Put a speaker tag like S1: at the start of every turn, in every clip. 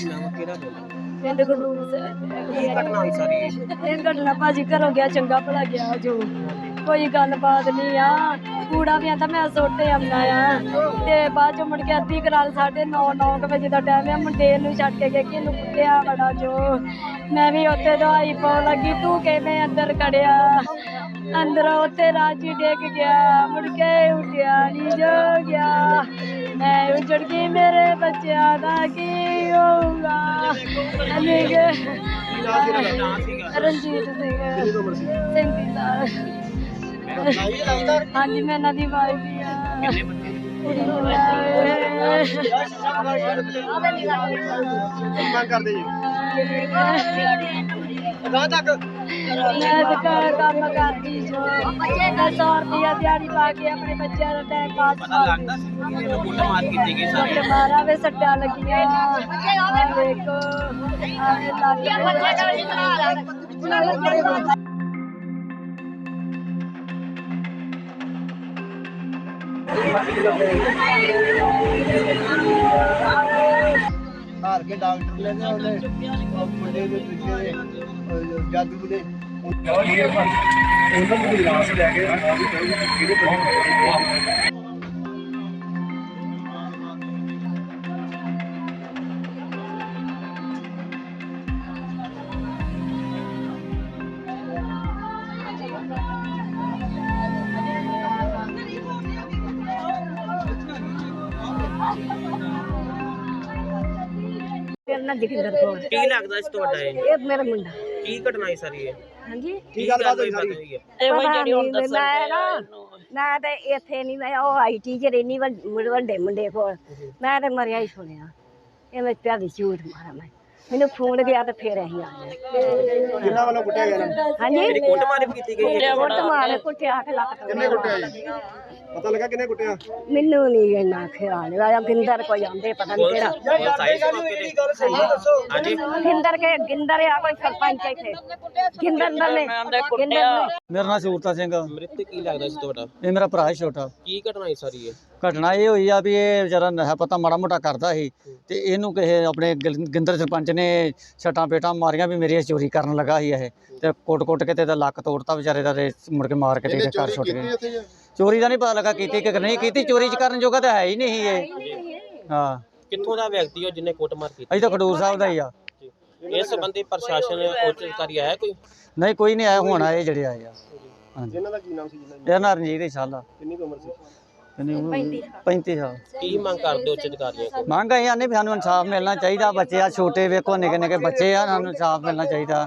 S1: ਨਾਮ ਕਿਹੜਾ
S2: ਪਿੰਡ ਖਡੂਰ
S1: ਕੀ ਘਟਨਾ ਹੋਈ ਸਾਰੀ
S2: ਇਹ ਘਟਨਾ ਭਾਜੀ ਘਰੋਂ ਗਿਆ ਚੰਗਾ ਭਲਾ ਗਿਆ ਜੋ ਕੋਈ ਗੱਲਬਾਤ ਨਹੀਂ ਆ ਕੂੜਾ ਵੀ ਆਂਦਾ ਮੈਂ ਸੁੱਟ ਆਉਂਦਾ ਆ ਤੇ ਬਾਅਦ ਚੋਂ ਮੁੜ ਕੇ ਅੱਧੀ ਕਰਾਲ 9:30 ਵਜੇ ਦਾ ਟਾਈਮ ਆ ਮੁੰਡੇ ਨੂੰ ਛੱਡ ਕੇ ਗਿਆ ਕਿ ਇਹਨੂੰ ਕੁੱਟਿਆ ਬੜਾ ਜੋ ਮੈਂ ਵੀ ਉੱਥੇ ਦਵਾਈ ਪਾਉਣ ਲੱਗੀ ਤੂੰ ਕਿਵੇਂ ਅੰਦਰ ਖੜਿਆ ਅੰਦਰੋਂ ਉੱਥੇ ਰਾਜੀ ਡਿੱਗ ਗਿਆ ਮੁੜ ਕੇ ਉੱਠਿਆ ਨਹੀਂ ਜੋ ਗਿਆ ਮੈਂ ਉੱਜੜ ਗਈ ਮੇਰੇ ਬੱਚਿਆਂ ਦਾ ਕੀ ਹੋਊਗਾ ਰਣਜੀਤ ਸਿੰਘ 37 ਸਾਲ ਹਾਂਜੀ ਮੈਂ ਇਹਨਾਂ ਦੀ ਵਾਈਫ ਹੀ ਆ ਕੁੜੀ ਨੂੰ
S3: ਮੰਗ ਕਰਦੇ ਜੀ
S2: ਮੈਂ ਕੰਮ ਕਰਦੀ ਜੋ ਮੈਂ 100 ਰੁਪਇਆ ਦਿਹਾੜੀ ਪਾ ਕੇ ਆਪਣੇ ਬੱਚਿਆਂ ਦਾ ਟਾਈਮ ਪਾਸ
S1: ਲੱਗਦਾ ਸੀ ਕਿ ਇਹਨੂੰ ਕੁੱਟਮਾਰ ਕੀਤੀ ਗਈ ਸਾਰੀ
S2: ਮਾਰਾ ਵੇ ਸੱਟਾਂ ਲੱਗੀਆਂ ਦੇਖੋ ਆਵੇ ਲੱਗ
S3: ਹਾਰ ਕੇ ਡਾਕਟਰ ਲੈ ਗਏ ਉਹਨੇ ਮੁੰਡੇ ਦੇ ਦੂਜੇ ਜਾਦੂ ਦੇ ਉਹਨਾਂ ਦੀ ਲਾਸ਼ ਲੈ ਕੇ ਕਿਹੜੇ ਬੰਦੇ
S2: ਨਾ ਜਗਿੰਦਰ ਕੌਰ
S1: ਕੀ ਲੱਗਦਾ ਸੀ ਤੁਹਾਡਾ
S2: ਇਹ ਮੇਰਾ ਮੁੰਡਾ
S1: ਕੀ ਘਟਨਾ ਹੋਈ ਸਾਰੀ ਇਹ
S2: ਹਾਂਜੀ
S1: ਕੀ ਗੱਲਬਾਤ ਹੋਈ ਸਾਰੀ
S2: ਮੈਂ ਤੇ ਇੱਥੇ ਨਹੀਂ ਮੈਂ ਉਹ ਆਈਟੀ ਚ ਰਹਿਨੀ ਵੱਡੇ ਮੁੰਡੇ ਕੋਲ ਮੈਂ ਤੇ ਮਰਿਆ ਹੀ ਸੁਣਿਆ ਇਹ ਮੈਂ ਪਿਆ ਦੀ ਝੂਠ ਮਾਰਾ ਮੈਨੂੰ ਫੋਨ ਗਿਆ ਤੇ ਫੇਰ ਅਸੀਂ ਆ ਗਏ
S3: ਕਿੰਨਾ ਵੱਲੋਂ ਕੁੱਟਿਆ ਗਿਆ ਨਾ
S2: ਹਾਂਜੀ
S1: ਜਿਹੜੀ ਕੁੱਟਮਾਰ ਕੀਤੀ ਗਈ ਹੈ
S2: ਮਾਰੇ ਕੁੱਟਿਆ ਕੇ ਲੱਕ
S3: ਕਿੰਨੇ ਕੁੱਟਿਆ ਜੀ ਪਤਾ ਲੱਗਾ ਕਿੰਨੇ ਕੁੱਟਿਆ
S2: ਮੈਨੂੰ ਨਹੀਂ ਇੰਨਾ ਖਿਆਲ ਆਇਆ ਗਿੰਦਰ ਕੋਈ ਆਂਦੇ ਪਤਾ ਨਹੀਂ ਕਿਹੜਾ
S1: ਹਾਂਜੀ
S2: ਗਿੰਦਰ ਆ ਕੋਈ ਸਰਪੰਚ ਇੱਥੇ ਗਿੰਦਰ ਨੇ
S4: ਮੇਰਾ ਨਾਮ ਸੂਰਤਾ ਸਿੰਘ ਆ।
S1: ਮ੍ਰਿਤਕ ਕੀ ਲੱਗਦਾ ਸੀ ਤੁਹਾਡਾ
S4: ਇਹ ਮੇਰਾ ਭਰਾ ਹੈ ਛੋਟਾ।
S1: ਕੀ ਘਟਨਾ ਹੋਈ ਸਾਰੀ ਇਹ
S4: ਘਟਨਾ ਇਹ ਹੋਈ ਆ ਵੀ ਇਹ ਵਿਚਾਰਾ ਨਸ਼ਾ ਪਤਾ ਮਾੜਾ ਮੋਟਾ ਕਰਦਾ ਸੀ ਤੇ ਇਹਨੂੰ ਕਿਸੇ ਆਪਣੇ ਗਿੰਦਰ ਸਰਪੰਚ ਨੇ ਛਟਾਂ ਪੇਟਾਂ ਮਾਰੀਆਂ ਵੀ ਮੇਰੀ ਚੋਰੀ ਕਰਨ ਲੱਗਾ ਸੀ ਇਹ ਤੇ ਕੁੱਟ ਕੇ ਤੇ ਇਹਦਾ ਲੱਕ ਤੋੜਤਾ ਵਿਚਾਰੇ ਦਾ ਤੇ ਮੁੜ ਕੇ ਮਾਰ ਕੇ ਤੇ ਇਹਦੇ ਘਰ ਛੁੱਟ ਗਏ। ਚੋਰੀ ਦਾ ਨਹੀਂ ਪਤਾ ਲੱਗਾ ਕੀਤੀ ਕਿ ਨਹੀਂ ਕੀਤੀ, ਚੋਰੀ ਚ ਕਰਨ ਜੋਗਾ ਤਾਂ ਹੈ ਹੀ ਨਹੀਂ ਇਹ। ਹਾਂ
S1: ਕਿੱਥੋਂ ਦਾ ਵਿਅਕਤੀ ਹੋ ਜਿਹਨੇ ਕੁੱਟਮਾਰ ਕੀਤੀ?
S4: ਅਸੀਂ ਤਾਂ ਖਡੂਰ ਸਾਹਿਬ ਦਾ ਹੀ ਆ।
S1: ਇਸ ਸੰਬੰਧੀ ਪ੍ਰਸ਼ਾਸਨ ਉੱਚ ਅਧਿਕਾਰੀ ਆਇਆ ਕੋਈ?
S4: ਨਹੀਂ ਕੋਈ ਨਹੀਂ ਆਇਆ, ਹੁਣ ਆਏ ਜਿਹੜੇ ਆਏ ਆ। ਹਾਂਜੀ
S3: ਇਹਨਾਂ ਦਾ ਕੀ ਨਾਮ ਸੀ ਜਿਹਨਾਂ
S4: ਇਹਦਾ ਨਾਂ ਰਣਜੀਤ ਸਾਲਾ
S3: ਕਿੰਨੀ ਕੁ ਉਮਰ ਸੀ?
S4: 35 ਸਾਲ।
S1: ਕੀ ਮੰਗ ਕਰਦੇ ਉੱਚ ਅਧਿਕਾਰੀਆਂ ਕੋਲ?
S4: ਮੰਗ ਆਈ ਆਨੇ ਵੀ ਸਾਨੂੰ ਇਨਸਾਫ ਮਿਲਣਾ ਚਾਹੀਦਾ। ਬੱਚੇ ਆ ਛੋਟੇ ਵੇਖੋ ਨਿੱਕੇ ਨਿੱਕੇ ਬੱਚੇ ਆ, ਸਾਨੂੰ ਇਨਸਾਫ ਮਿਲਣਾ ਚਾਹੀਦਾ।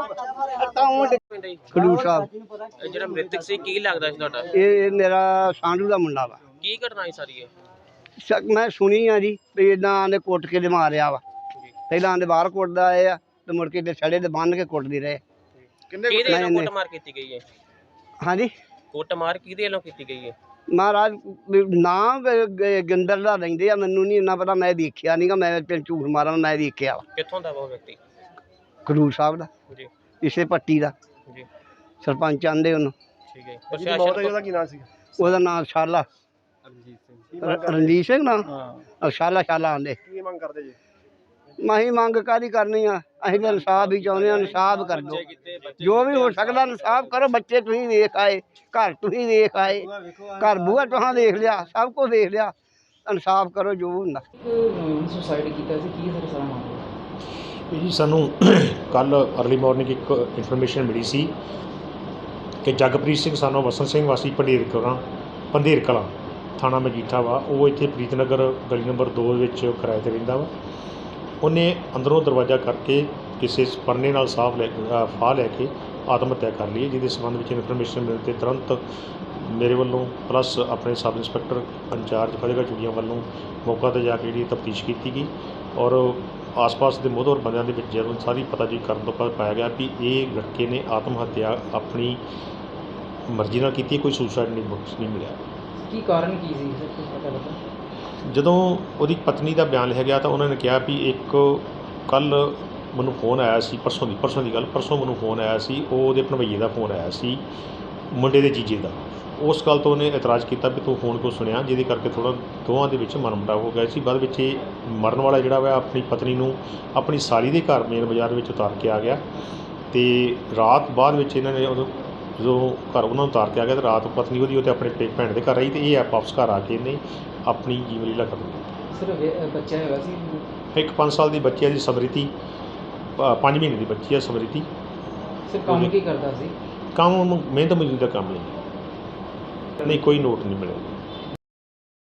S3: ਖਡੂਰ ਸਾਹਿਬ
S1: ਇਹ ਜਿਹੜਾ ਮ੍ਰਿਤਕ ਸੀ ਕੀ ਲੱਗਦਾ ਸੀ ਤੁਹਾਡਾ?
S3: ਇਹ ਮੇਰਾ ਸਾਂਢੂ ਦਾ ਮੁੰਡਾ ਵਾ।
S1: ਕੀ ਘਟਨਾ ਹੋਈ ਸਾਰੀ ਇਹ?
S3: ਮੈਂ ਸੁਣੀ ਆ ਜੀ ਵੀ ਇਦਾਂ ਨੇ ਕੁੱਟ ਕੇ ਦੇ ਮਾਰਿਆ ਵਾ। ਪਹਿਲਾਂ ਆਂਦੇ ਬਾਹਰ ਕੁੱਟਦਾ ਆਏ ਆ ਤੇ ਮੁੜ ਕੇ ਤੇ ਛੜੇ ਦੇ ਬੰਨ ਕੇ ਕੁੱਟਦੇ ਰਹੇ।
S1: ਕਿਹਦੇ ਵੱਲੋਂ ਕੁੱਟਮਾਰ ਕੀਤੀ ਗਈ ਹੈ?
S3: ਹਾਂਜੀ
S1: ਕੁੱਟਮਾਰ ਕਿਹਦੇ ਵੱਲੋਂ ਕੀਤੀ ਗਈ ਹੈ?
S3: ਮਹਾਰਾਜ ਨਾਮ ਗਿੰਦਰ ਦਾ ਲੈਂਦੇ ਆ, ਮੈਨੂੰ ਨਹੀਂ ਇੰਨਾ ਪਤਾ, ਮੈਂ ਦੇਖਿਆ ਨਹੀਂਗਾ, ਮੈਂ ਝੂਠ ਮਾਰਾਂ, ਮੈਂ ਦੇਖਿਆ ਵਾ।
S1: ਕਿੱਥੋਂ ਦਾ ਉਹ ਵਿਅਕਤੀ?
S3: ਖਡੂਰ ਸਾਹਿਬ ਦਾ
S1: ਜੀ
S3: ਇਸੇ ਪੱਟੀ ਦਾ
S1: ਜੀ
S3: ਸਰਪੰਚ ਆਂਦੇ ਉਹਨੂੰ।
S1: ਠੀਕ ਹੈ। ਪ੍ਰਸ਼ਾਸਨ
S3: ਕੀ ਨਾਮ ਸੀ? ਉਹਦਾ ਨਾਮ ਸ਼ਾਲਾ ਰਣਜੀਤ ਸਿੰਘ ਨਾ ਸ਼ਾਲਾ ਆਂਦੇ। ਕੀ ਮੰਗ ਕਰਦੇ ਜੀ? ਅਸੀਂ ਮੰਗ ਕਾਹਦੀ ਕਰਨੀ ਆ, ਅਸੀਂ ਤਾਂ ਇਨਸਾਫ ਹੀ ਚਾਹੁੰਦੇ ਹਾਂ। ਇਨਸਾਫ ਕਰ ਦਿਓ, ਜੋ ਵੀ ਹੋ ਸਕਦਾ ਇਨਸਾਫ ਕਰੋ। ਬੱਚੇ ਤੁਸੀਂ ਵੇਖ ਆਏ, ਘਰ ਤੁਸੀਂ ਵੇਖ ਆਏ, ਘਰ ਬੂਹਾ ਤੁਹਾਂ ਦੇਖ ਲਿਆ, ਸਭ ਕੁਝ ਦੇਖ ਲਿਆ। ਇਨਸਾਫ ਕਰੋ ਜੋ ਹੁੰਦਾ।
S5: ਸੁਸਾਈਡ ਕੀਤਾ ਸੀ, ਕੀ ਸਰ ਸਾਰਾ ਮਾਮਲਾ?
S6: ਜੀ ਸਾਨੂੰ ਕੱਲ ਅਰਲੀ ਮਾਰਨਿੰਗ ਇੱਕ ਇਨਫੋਰਮੇਸ਼ਨ ਮਿਲੀ ਸੀ ਕਿ ਜਗਪ੍ਰੀਤ ਸਿੰਘ ਸਾਨੂੰ ਵਸਨ ਸਿੰਘ ਵਾਸੀ ਪੰਧੇਰ ਕਲਾਂ ਥਾਣਾ ਮਜੀਠਾ ਵਾ, ਉਹ ਇੱਥੇ ਪ੍ਰੀਤਨਗਰ ਗਲੀ ਨੰਬਰ 2 ਵਿੱਚ ਕਿਰਾਏ 'ਤੇ ਰਹਿੰਦਾ ਵਾ। ਉਹਨੇ ਅੰਦਰੋਂ ਦਰਵਾਜ਼ਾ ਕਰਕੇ ਕਿਸੇ ਪਰਨੇ ਨਾਲ ਫਾਹ ਲੈ ਕੇ ਆਤਮ ਹੱਤਿਆ ਕਰ ਲਈ, ਜਿਹਦੇ ਸੰਬੰਧ ਵਿੱਚ ਇਨਫੋਰਮੇਸ਼ਨ ਮਿਲਣ 'ਤੇ ਤੁਰੰਤ ਮੇਰੇ ਵੱਲੋਂ ਪਲੱਸ ਆਪਣੇ ਸਬ ਇੰਸਪੈਕਟਰ ਇੰਚਾਰਜ ਫਤਿਹਗੜ੍ਹ ਚੂੜੀਆਂ ਵੱਲੋਂ ਮੌਕਾ 'ਤੇ ਜਾ ਕੇ ਜਿਹੜੀ ਤਫਤੀਸ਼ ਕੀਤੀ ਗਈ ਔਰ ਆਸ-ਪਾਸ ਦੇ ਮੋਹਤਵਰ ਬੰਦਿਆਂ ਦੇ ਵਿੱਚ ਜਦੋਂ ਸਾਰੀ ਪਤਾਜੀ ਕਰਨ ਤੋਂ ਬਾਅਦ ਪਾਇਆ ਗਿਆ ਵੀ ਇਹ ਲੜਕੇ ਨੇ ਆਤਮ ਹੱਤਿਆ ਆਪਣੀ ਮਰਜ਼ੀ ਨਾਲ ਕੀਤੀ, ਕੋਈ ਸੁਸਾਈਡ ਨਹੀਂ ਮਿਲਿਆ।
S5: ਕੀ ਕਾਰਨ ਕੀ ਸੀ ਸਰ, ਕੁਝ ਪਤਾ ਲੱਗਾ?
S6: ਜਦੋਂ ਉਹਦੀ ਪਤਨੀ ਦਾ ਬਿਆਨ ਲਿਆ ਗਿਆ ਤਾਂ ਉਹਨਾਂ ਨੇ ਕਿਹਾ ਵੀ ਇੱਕ ਕੱਲ੍ਹ ਮੈਨੂੰ ਫੋਨ ਆਇਆ ਸੀ, ਪਰਸੋਂ ਦੀ ਗੱਲ, ਪਰਸੋਂ ਮੈਨੂੰ ਫੋਨ ਆਇਆ ਸੀ, ਉਹਦੇ ਭਣਵੱਈਏ ਦਾ ਫੋਨ ਆਇਆ ਸੀ ਮੁੰਡੇ ਦੇ ਜੀਜੇ ਦਾ। ਉਸ ਗੱਲ ਤੋਂ ਉਹਨੇ ਇਤਰਾਜ਼ ਕੀਤਾ ਵੀ ਤੂੰ ਫੋਨ ਕਿਉਂ ਸੁਣਿਆ, ਜਿਹਦੇ ਕਰਕੇ ਥੋੜ੍ਹਾ ਦੋਵਾਂ ਦੇ ਵਿੱਚ ਮਨਮੁਟਾਵ ਹੋ ਗਿਆ ਸੀ। ਬਾਅਦ ਵਿੱਚ ਇਹ ਮਰਨ ਵਾਲਾ ਜਿਹੜਾ ਵਾ ਆਪਣੀ ਪਤਨੀ ਨੂੰ ਆਪਣੀ ਸਾਲੀ ਦੇ ਘਰ ਮੇਨ ਬਾਜ਼ਾਰ ਵਿੱਚ ਉਤਾਰ ਕੇ ਆ ਗਿਆ ਅਤੇ ਰਾਤ ਬਾਅਦ ਵਿੱਚ ਇਹਨਾਂ ਨੇ ਉਦੋਂ ਜਦੋਂ ਘਰ ਉਹਨਾਂ ਨੂੰ ਉਤਾਰ ਕੇ ਆ ਗਿਆ ਤਾਂ ਰਾਤ ਪਤਨੀ ਉਹਦੀ ਉਹ 'ਤੇ ਆਪਣੇ ਭੈਣ ਦੇ ਘਰ ਆਈ ਅਤੇ ਇਹ ਵਾਪਸ ਘਰ ਆ ਕੇ ਇਹਨੇ ਆਪਣੀ ਜੀਵਨ ਲੀਲਾ ਖਤਮ ਕੀਤੀ।
S5: ਸਿਰਫ ਬੱਚਾ ਹੈਗਾ ਸੀ?
S6: ਇੱਕ 5 ਸਾਲ ਦੀ ਬੱਚੀ ਹੈ ਜੀ ਸਮਰਿਤੀ, 5 ਮਹੀਨੇ ਦੀ ਬੱਚੀ ਹੈ ਸਮਰਿਤੀ।
S5: ਸਿਰ ਕੰਮ ਕੀ ਕਰਦਾ ਸੀ?
S6: ਕੰਮ ਮਿਹਨਤ ਮਜ਼ਦੂਰੀ ਦਾ ਕੰਮ ਨਹੀਂ, ਕੋਈ ਨੋਟ ਨਹੀਂ ਮਿਲਿਆ।